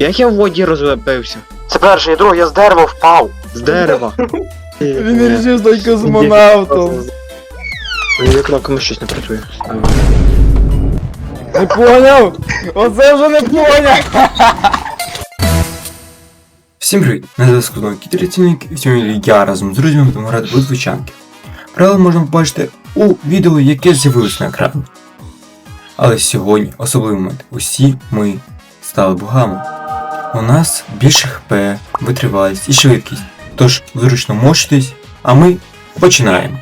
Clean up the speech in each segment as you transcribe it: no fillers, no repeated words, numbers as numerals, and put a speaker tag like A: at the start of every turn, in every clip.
A: Як я в воді розбився?
B: Це перший, і другий, я з дерева впав.
A: З дерева.
C: Він вирішив стати космонавтом.
A: Мені кнопками щось не працює.
C: Не поняв? Оце вже не поняв!
D: Всім привіт! Мене зв'язку знову Кіт-рятівник, і сьогодні я разом з друзями будемо грати в звичанки. Правила можна побачити у відео, яке з'явилось на екрані. Але сьогодні особливий момент. Усі ми стали богами. У нас більше хп, витривалість і швидкість. Тож зручно мочитись, а ми починаємо.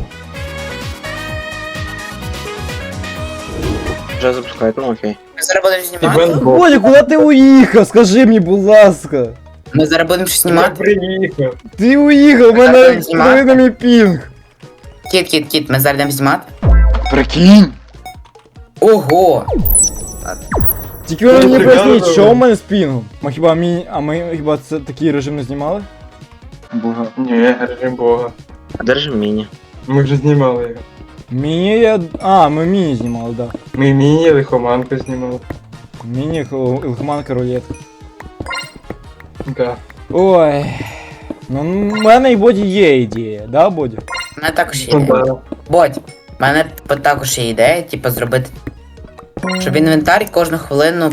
A: Вже запускають, ну окей.
E: Ми зараз будемо знімати?
C: Бодя, куди ти уїхав? Скажи мені, будь ласка.
E: Ми зараз будемо щось знімати?
B: приїхав.
C: Ти уїхав, у мене
E: Так, знімати?
C: подиви на мій пінг.
E: Кіт, ми зараз будемо знімати?
A: Прикинь!
E: Ого!
C: Тільки ви мені
B: прикольно.
C: поясніть, що у мене з пінгом? Ми хіба це такий режим не знімали?
B: Бога. Ні, режим Бога.
A: А держи міні.
B: Ми вже знімали його.
C: Міні я... А, ми міні знімали, да.
B: Ми міні лихоманку знімали.
C: Міні, лихоманка, рулетка.
B: Да.
C: Ой. Ну, в мене і Боді є ідея, да, Боді?
E: У мене також є
B: Ну
E: ідея.
B: да.
E: Бодь, у мене також є ідея, типу, зробити... Щоб інвентар кожну хвилину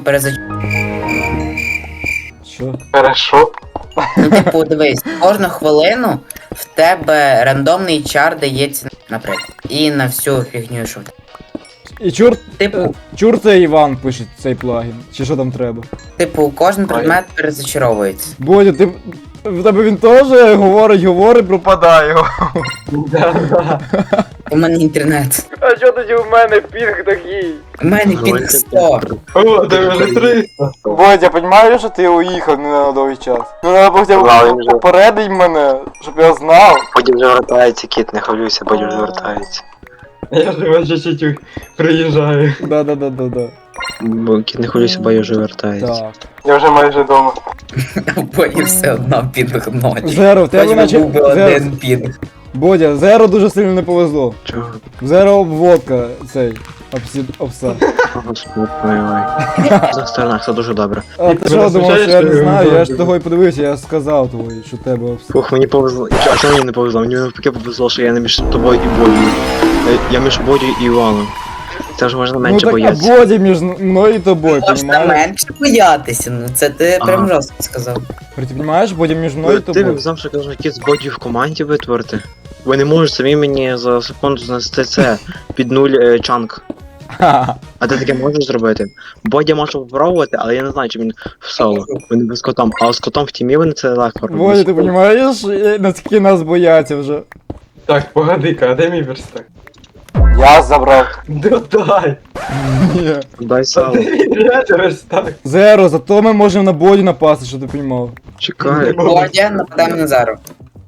C: Що?
B: Хорошо.
E: Ну, типу, дивись, кожну хвилину в тебе рандомний чар дається, наприклад. І на всю фігню, що в тебе.
C: І
E: Типу,
C: чур це Іван пише цей плагін. Чи що там треба?
E: кожен предмет перезачаровується.
C: Бодя, ти... В тебе він теж говорить, пропадає.
B: Да.
E: У мене інтернет.
C: А що тоді у мене пінг такий?
E: У мене пінг 100.
B: О, ти вже 300.
C: Бодя, розумієш, що ти уїхав не на довгий час? Ну треба хоча б попередить мене, щоб я знав.
A: Боді вже вертається, кіт, не хвилюйся, Боді вже вертається.
B: Я ж вже чуть-чуть приїжджаю.
C: Да.
A: Бо кіт не хвилюйся, Боді вже вертається.
C: Так.
B: Я вже майже вдома.
E: Боді все одно пінг ночі.
C: Зеро, в тебе
E: Хоч би
C: наче...
E: був би один пінг.
C: Бодя, Зеро дуже сильно не повезло.
A: Чого?
C: Зеро обводка цей. Обса.
A: Господи, ой. За сторонах, це дуже добре.
C: А ти
B: Ти
C: що
B: мене
C: думав, що я
B: звичайно,
C: не
B: що
C: знаю?
B: я
C: Я ж
B: не
C: того і подивився, я сказав тобі, що тебе обса.
A: Фух, мені повезло. А чого мені не повезло? Мені навпаки повезло, що я не між тобою і Бодію. Я між Бодію і Іваном. Це вже можна
C: Ну
A: менше
C: так, а
A: боятися.
C: Боді між мною і тобою,
E: Можна
C: понімаєш?
E: менше боятися, ну це ти прям
A: Ага.
E: жорстко сказав.
C: Ти розумієш, Боді між мною і
A: Ти
C: тобою.
A: знав, що кажуть, кіт з Бодію в команді витворити? Ви не можете самі мені за секунду знести це під нуль чанк.
C: Ха-ха.
A: А ти таке можеш зробити? Бодя може попробувати, але я не знаю, чи він в соло. Вони без котом. А з котом в тімі вони це легко роблять.
C: Боді, ти розумієш, наскільки нас бояться вже?
B: Так, погоди-ка, а де мій верстак?
C: Я забрав.
B: Додай!
C: Ні.
A: Дай
B: А
A: сало.
B: де мій верстак?
C: Зеро, зато ми можемо на Боді напасти, що ти розумів.
A: Чекай.
E: Бодя, нападаємо на Зару.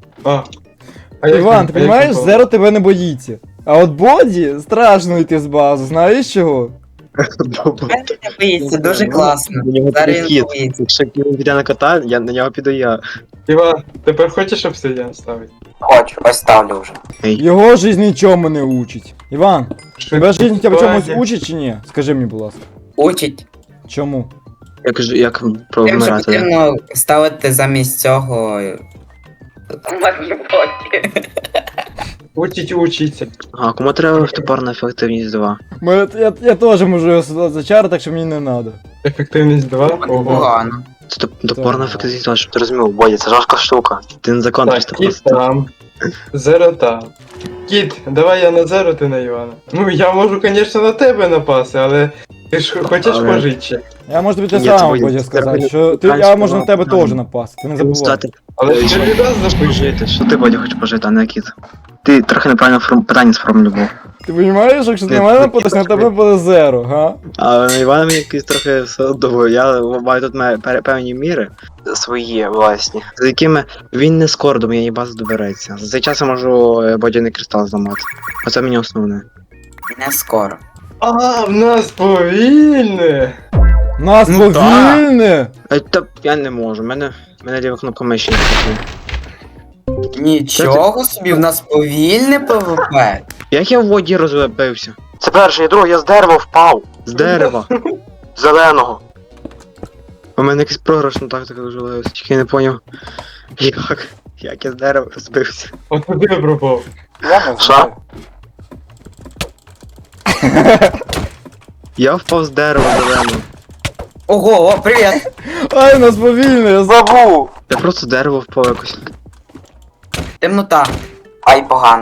C: Іван, ти розумієш, Зеро тебе не боїться. А от Боді страшно йти з бази, знаєш чого?
E: Мене не боїться, дуже класно.
A: У нього
E: Зараз
A: такий
E: він
A: кіт.
E: боїться.
A: Якщо він піде на кота, на нього піду я.
B: Іван, тепер хочеш обсидіан ставити?
E: Хочу, ось ставлю вже.
C: Його жизнь нічому не учить. Іван, тебе жизнь хоча б чомусь
B: Швидкування.
C: учить чи ні? Скажи мені, будь ласка.
E: Учить.
C: Чому?
A: Як
E: Тим, що
A: провмирати, да?
E: потрібно ставити замість цього...
B: Учиться.
A: А кому треба тепер на ефективність 2?
C: Я теж можу його сюди зачарити, так що мені не треба.
B: Ефективність 2. Ого.
E: Погано.
A: Це топорна ефективність 2, щоб ти розумів, Бодя, це жорстка штука. Ти не закон
B: Так,
A: просто
B: кіт
A: просто.
B: там. Зеро там. Кіт, давай я на Зеро, ти на Івана. Ну, я можу, звісно, на тебе напасти, але ти ж хочеш
A: Але-
B: пожити ще.
C: Я можу тобі те
A: Ні, це
C: саме
A: Бодя,
C: Бодя
A: це
C: сказати,
A: треба
C: що я
A: правильно
C: можу на тебе
A: сказав.
C: теж напасти, ти не забувай.
A: Стати
B: Але ж ти відразу запиши.
A: пожити. Що ти, Бодя, хочеш пожити, а не кіт? Ти трохи неправильно питання сформулював.
C: Ти розумієш, якщо ти на
A: Ти-
C: мене
A: ти
C: нападеш, на
A: кіт
C: тебе буде зеро, га?
A: А на Івана мені якийсь трохи все одно. Я маю тут певні міри свої власні, за якими він не скоро до моєї бази добереться. За цей час я можу бодяний кристал зламати. Оце мені основне.
E: Не скоро.
B: А, в нас повільне.
C: Нас
E: Ну
C: повільне!
A: Та я не можу, мене ліва кнопка миші не працює.
E: Нічого собі, в нас повільне ПВП.
A: Як я в воді розбився?
B: Це перший, і другий, я з дерева впав.
A: З дерева.
B: Зеленого.
A: У мене якийсь програшна тактика дуже легко, тільки я не поняв, як я з дерева розбився.
B: От куди я пропав?
C: Я не
A: Що?
C: знаю.
A: Я впав з дерева зеленого.
E: Ого, о, привіт!
C: Ай, у нас повільно, я забув.
A: Я просто з дерева впав якось.
E: Темнота. Ай, погано.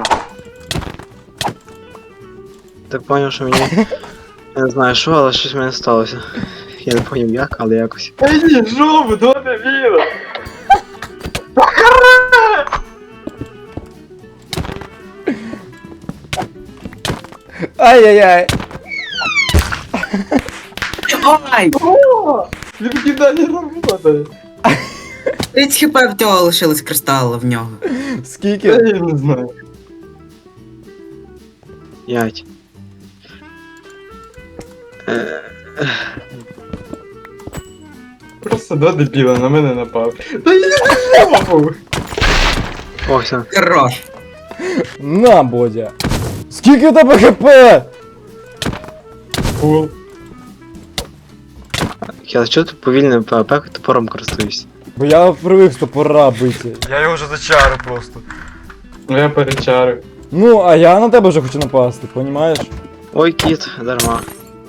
A: Так поняв, що мені. Я не знаю що, але щось в мене сталося. Я не поняв як, але якось.
B: Ей, ні, жопу, до дебіла!
C: Ай-яй-яй.
E: Ай!
B: Відкидання роботи.
E: 30 хп в цього лишилось кристалу в нього.
C: Скільки?
B: Я не знаю.
A: 5.
B: Просто до дебіла на мене напав. Та я не жопу!
A: О, все.
E: Хорош.
C: На, Бодя. Скільки у тебе хп?
B: Фул.
A: Я що ти повільно ПВП топором користуюсь?
C: Бо я привик з топора бити. Я його вже зачарю просто.
B: Ну я перечарив.
C: Ну, а я на тебе вже хочу напасти, понімаєш?
A: Ой, кіт, дарма.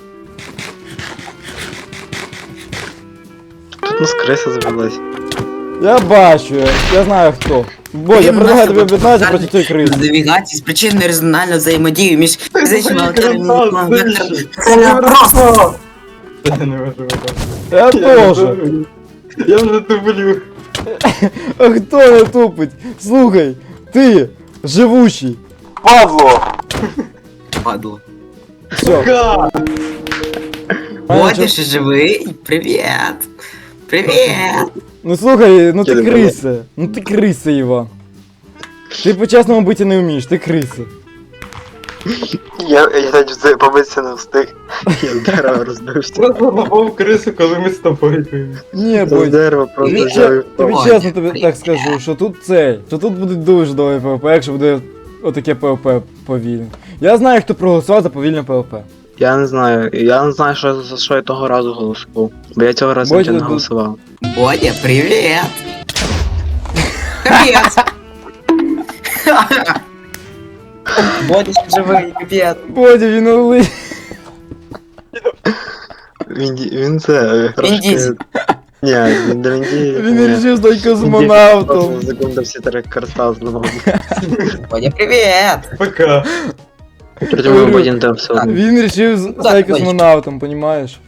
A: Тут у нас криса завелась.
C: Я бачу, я знаю хто. Бодя, я предлагаю тобі об'єднатися проти цієї кризи.
E: Навігації з причиною резональну взаємодію між фізичними
B: Красавчик,
E: векторами.
B: Це просто! Я не можу випасти.
C: Я теж.
B: Я вже тублю.
C: А хто не тупить? Слухай, ти, живучий. Падло.
E: Падло.
C: Все.
B: Га!
E: Бодя, ще живий? Привіт! Привіт!
C: Ну слухай, ну ти
A: Я не
C: криса. Ну ти криса, Іван. Ти по-чесному бити не вмієш, ти криса.
A: Я навіть побитися не встиг. Я з дерева розбився.
B: Просто напав крису, коли ми з тобою були.
C: Ні,
A: З
C: Бодя.
A: дерева просто
E: Ні,
A: взяв і
C: Тобі
A: впав.
C: чесно тобі так скажу, що тут буде дуже довгий ПВП, якщо буде отаке ПВП повільне. Я знаю, хто проголосував за повільне ПВП.
A: Я не знаю, що, за що я того разу голосував. Бо я цього разу
C: Бодя,
A: нічого не
C: ну-
A: голосував.
E: Бодя, привіт! Капець! Бодя, ще живий, капець!
C: Бодя, він улий.
A: Він це трошки...
E: дізель.
A: Ні, він не він
C: Він вирішив стати космонавтом.
A: Секунду всі три кристал зламав.
E: Бодя, привіт!
B: Пока.
A: Причому
C: Говорю,
A: Бодін там все одно.
C: Він вирішив стати
E: Бодя.
C: космонавтом, понімаєш?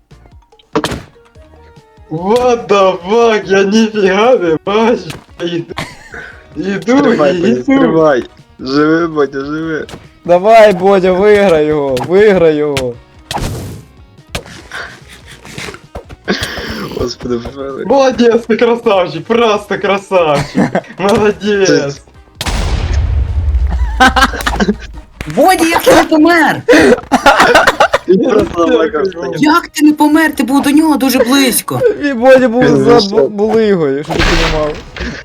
B: What the fuck, я ніфіга не бачу. Іду,
A: Стривай, Бодя,
B: іду.
A: стривай. Живи, Бодя, живи.
C: Давай, Бодя, виграй його.
A: Господи, Боже.
B: Молодец, ты красавчик, просто красавчик. Молодец.
E: Бодя, як ти не помер?
A: Він просто заплакався.
E: Як ти не помер? Ти був до нього дуже близько.
C: І Бодя був
A: Він
C: за
A: вийшов.
C: булигою, якщо ти понімав.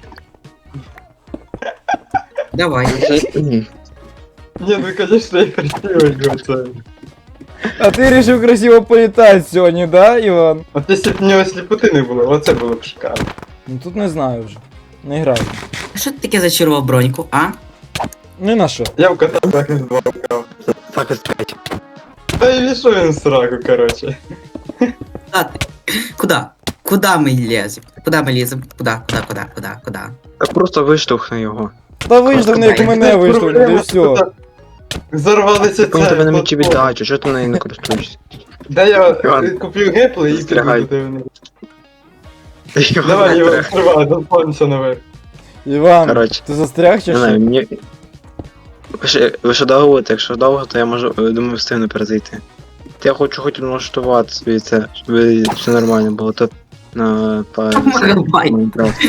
E: Давай.
B: Не, ну конечно, я красивый глаза.
C: А ти вирішив красиво політати сьогодні, да, Іван?
B: От якщо б в нього сліпоти не було, оце було б шикарно.
C: Ну тут не знаю вже. Не граю.
E: А що ти таке зачарував броньку, а?
C: Ні на що.
B: Я в кота так і два вкрав.
A: Так, ось 5.
B: Та й вішов він в сраку, короче.
E: Куда ти? Куда? Куда ми лезем? Куда ми лізем? Куда?
A: Просто виштовхни його.
C: Та вийшли, як мене вийшли, і все.
B: Взорвалися
A: Так він тебе на мечі
B: платформи.
A: віддачу, чого ти нею не користуєшся?
B: Да я
A: Іван,
B: куплю гепли і піду
A: застрягай.
B: до тебе. Давай, його відкривай, достанься наверх.
C: Іван,
A: Коротше,
C: ти застряг чи
A: не знаю,
C: що?
A: мені... Ви ще довго будете? Якщо довго, то я можу, думаю, встигну перезайти. Я хочу хоч налаштувати собі це, щоб все нормально було. Тут на
E: Давай.
A: Майнкрафт.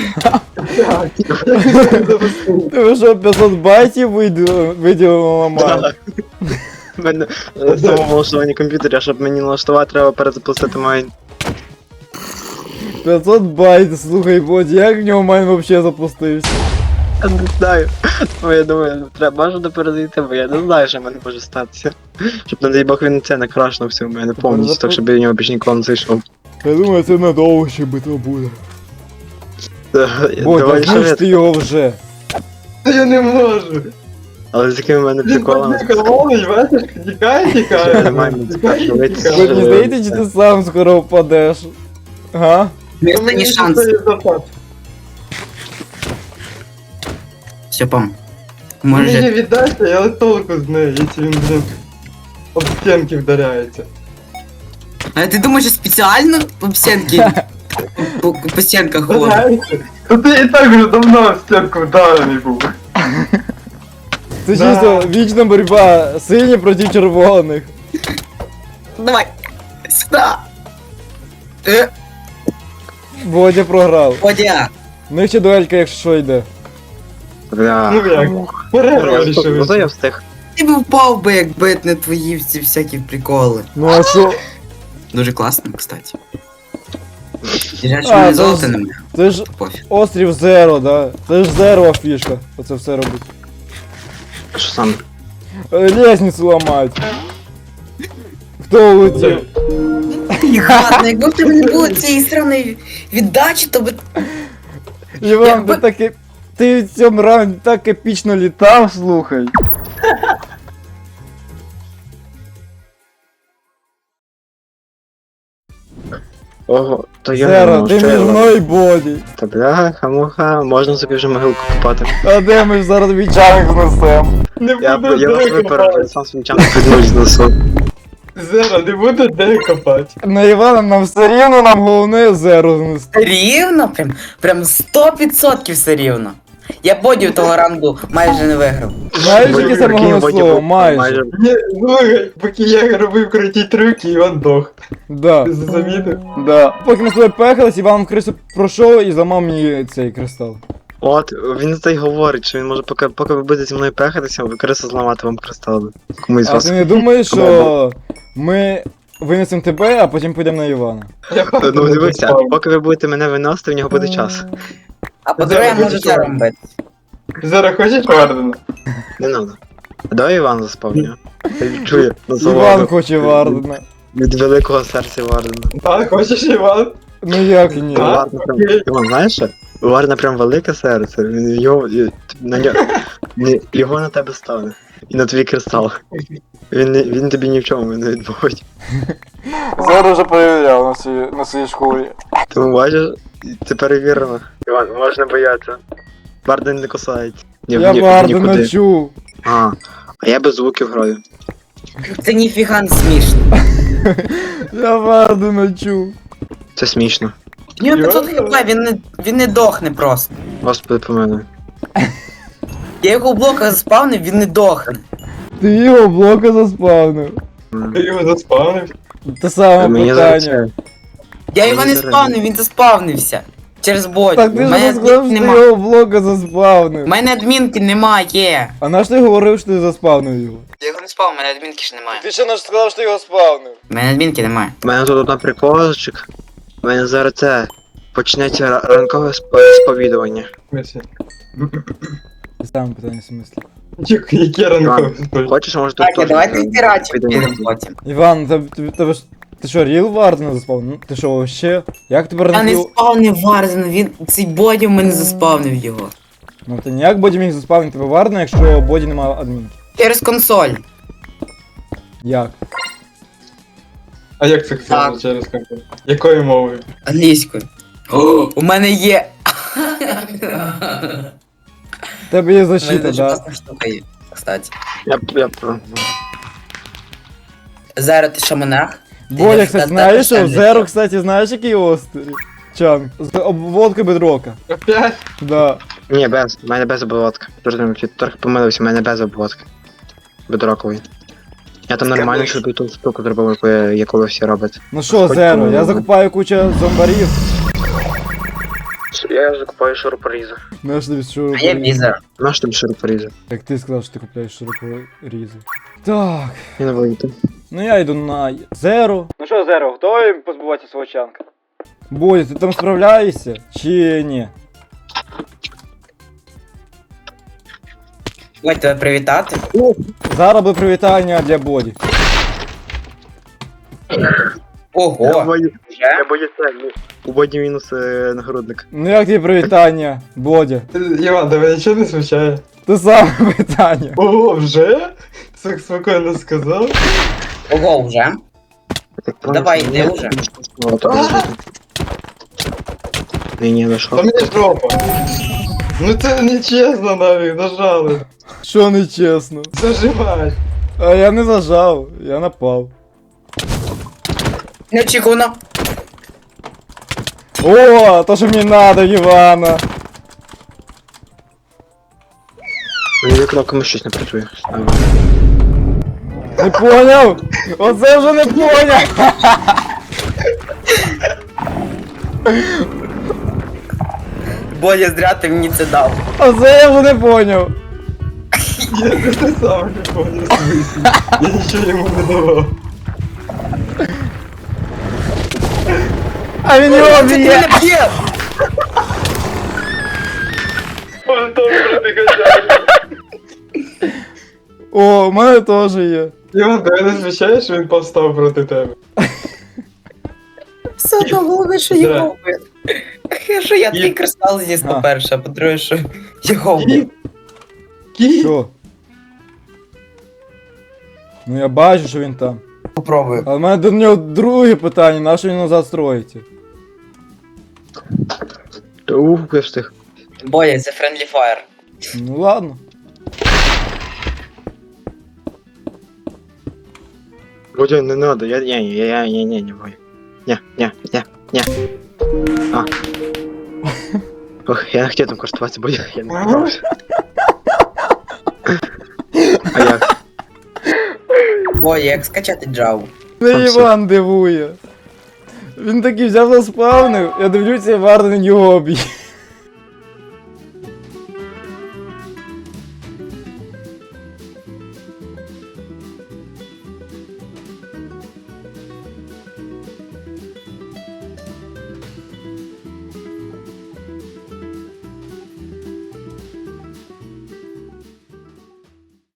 C: Ти що, 500 байтів виділили ламати?
A: У мене самому налаштування комп'ютера, щоб мені налаштувати, треба перезапустити майн.
C: 500 байт, слухай, Бодя, як в нього майн вообще запустився?
A: Я не знаю. Ну, я думаю, треба бажано перезайти, бо я не знаю, що в мене може статися. Щоб, не дай Бог, він це не крашнувся в мене повністю, так щоб я в нього більше ніколи не зайшов.
C: Я думаю, це надовго ще битва буде. Бодя,
A: Давай
C: знищ
A: ще
C: ти його вже.
B: Та я не можу.
A: але з якими в мене
B: Він
A: приколами.
B: колонить, бачиш, тікає,
A: Я не маю спершу вийти.
C: Бодя, не здається, чи ти сам скоро впадеш? Га?
E: Останній шанс. Все, пом.
B: Може
E: Може.
B: віддайте, але толку з нею, якщо він, блін, об стінки вдаряється.
E: А ти думаєш, що спеціально об стінки? По стінках ходить?
B: Вдаряється? То ти і так вже давно об стінку вдарений був.
C: Це
B: Да.
C: чисто вічна боротьба сині проти червоних.
E: Давай. Сюди.
C: Бодя програв.
E: Водя.
C: В них ще дуелька, якщо що йде.
A: Бля.
B: Ну як? Перерва
A: Зато
B: рішив.
A: я встиг.
E: Ти б впав би, якби не твої ці всякі приколи.
C: Ну а що?
E: Дуже класно, кстати. Жаль,
C: А,
E: що мене
C: це
E: золота
C: ж-
E: немає.
C: Це ж
E: Пофіг.
C: острів Зеро, да? Це ж Зеро фішка. Оце все робить.
A: Що саме?
C: Лестницю ламають. Хто улетів?
E: Ладно, якби в тебе не було цієї сраної віддачі, то би...
C: Іван,
E: Якби-
C: ти так ти в цьому раунді так епічно літав, слухай.
A: Ого, то я не
C: Зеро,
A: можу,
C: ти
A: що
C: між
A: я
C: мною і Боді.
A: Та бляха, муха, можна собі вже могилку копати.
C: А де ми ж зараз вічаник знесем?
B: Не
A: Я
B: буду
A: вас
B: де
A: випереджу,
B: копати.
A: сам свій час піднусь знесу.
B: Зера, не буду де копати.
C: На Івана нам все рівно, нам головне Зеро знести.
E: Рівно? Прям 100% все рівно. Я бодів того раунду майже не виграв.
C: Знаєш, яке
A: Прикинь,
C: саме головне
A: Бодя
C: слово?
A: був
C: Майже.
B: Ні, слухай, поки я робив круті трюки, Іван дох.
C: Да.
B: Ти замітив?
C: Да. Поки ми з тобою пехались, Іван в крису пройшов і зламав мені цей кристал.
A: От, він це й говорить, що він може, поки ви будете зі мною пехатися, ви криса зламати вам кристали. Комусь з
C: А
A: вас.
C: ти не думаєш, що ми винесемо тебе, а потім підемо на Івана?
A: Ну дивися, поки ви будете мене виносити, в нього буде час.
E: А по-друге, я можу це робити.
B: Зера, хочеш Вардена?
A: Не надо. А давай Іван заспавню. Я відчую
C: Іван
A: насолоду
C: хоче Вардена.
A: від великого серця Вардена.
B: А, хочеш Іван?
C: Ну як ні?
B: А?
A: Варна прям, Іван, знаєш що? У Варна прям велике серце, він його, на нього, його на тебе стане. І на твій кристал. Він тобі ні в чому не відмовить.
C: Зараз вже перевіряв на своїй школі.
A: Тому бачиш, це перевірено. Іван, можна боятися. Варден не кусається.
C: Я Вардена чув.
A: А я без звуків граю.
E: Це ніфіга не смішно.
C: Я Вардена чув.
A: Це смішно.
E: В нього 500 хп, він не дохне просто.
A: Господи помилуй.
E: Я його в блоках заспавнив, він не дохне.
C: Ти його блока заспавнив.
B: Ти його заспавнив?
C: Те саме
A: Мені
C: питання.
A: зараз.
E: Я його не спавнив, він заспавнився. Через бодь.
C: Так ти
E: У
C: ж
E: мене
C: не сказав,
E: адмінки
C: що ти
E: немає.
C: його блока заспавнив.
E: У мене адмінки немає.
C: А наш ти говорив, що ти заспавнив його?
E: Я його не спав, у мене адмінки ще немає.
C: Ти ще наш сказав, що ти його спавнив.
E: У мене адмінки немає.
A: У мене тут одна приколочок. У мене зараз це почнеться ранкове сповідування.
B: Мисі.
C: Ти саме питання в смислі.
B: Які ранкові?
A: Хочеш, може тут
E: Так,
A: теж
E: давайте стирати
A: сповідування?
E: підемо потім.
C: Іван, ти що, ріл Вардена заспавнив? Ти що, вообще? Як тепер
E: Я не
C: ріл?
E: спавнив Варзена, цей боді в мене заспавнив його.
C: Ну ти ніяк Боді міг заспавнити тебе Вардена, якщо Боді немає адмінки.
E: Через консоль.
C: Як?
B: А як це сказано
E: Так.
B: через комп'ютер? Якою мовою?
E: Англійською. О, у мене є.
C: В тебе є
E: У мене
C: защита,
E: дуже
C: да?
E: класна штука є, кстати.
A: Я про.
E: Зараз ти що, монах?
C: Бодя, кстати, знаєш, що в
E: Та-та-та-та.
C: Зеро, кстати, знаєш, який острів? Чанг. З обводкою бедрока.
B: Опять?
C: Да.
A: Ні, без. У мене без обводки. Зрозумів, ти трохи помилився, у мене без обводки. Бедрокової. Я там нормально собі ту штуку зробив, яку ви всі робите.
C: Ну що,
A: Хоч
C: Зеро,
A: помилуй.
C: я закупаю кучу зомбарів.
A: Я закупаю шурупорізи.
C: Знаєш тобі
E: А я
C: шурупорізи.
E: візер.
A: Наш тобі шурупорізи?
C: Як ти сказав, що ти купляєш шурупорізи. Так.
A: Я не вийду.
C: Ну я йду на Зеро. Ну що, Зеро, готовий позбуватися свого чанка? Бодя, ти там справляєшся? Чи ні?
E: Давайте тебе привітати.
C: Зараз буде привітання для Боді.
E: Ого!
A: Я боюсь, у Боді мінус нагрудник.
C: Ну як тобі привітання, Бодя?
B: Іван, тебе нічого не смущає?
C: Те саме питання.
B: Ого, вже? Так спокійно сказав.
E: Ого, вже? Давай, йди вже.
A: Ні, не
B: Та
A: що.
B: мені жопа. Ну це нечесно навіть, нажали.
C: Що нечесно?
B: Зажимай.
C: А я не зажав, я напав.
E: Неочікувано.
C: О, то що мені надо, Івана.
A: Мені кнопками щось не працює.
C: Не поняв? Оце вже не поняв.
E: Бодя, зря ти мені це дав.
C: Оце я вже не поняв.
B: Я це сам не понял, в смысле. Я нічого йому не давав.
C: А він його б'є.
E: б'є!
B: Он там пробігає.
C: О, у мене теж є.
B: Іван, тебе не звичає, що він повстав проти тебе?
E: Все одно головне, що
B: Да.
E: його вбив. Що я твій кристал зніс,
C: А.
E: по-перше, а по-друге, що його вбив.
B: Кіт?
C: Що? Ну я бачу, що він там.
E: Попробую.
C: Але в мене до нього друге питання, на що він назад строїться?
A: Я встиг.
E: Бодя, це Friendly Fire.
C: Ну ладно.
A: Бодя, не надо, не, Бодя. Не. А. Ох, я не хотів там користуватися, Бодя, я не справився. А як?
E: Бодя, як скачати Java?
C: Не
A: Там
C: Іван дивує. Він такий взяв заспавнив, я дивлюся, Іван на нього б'є.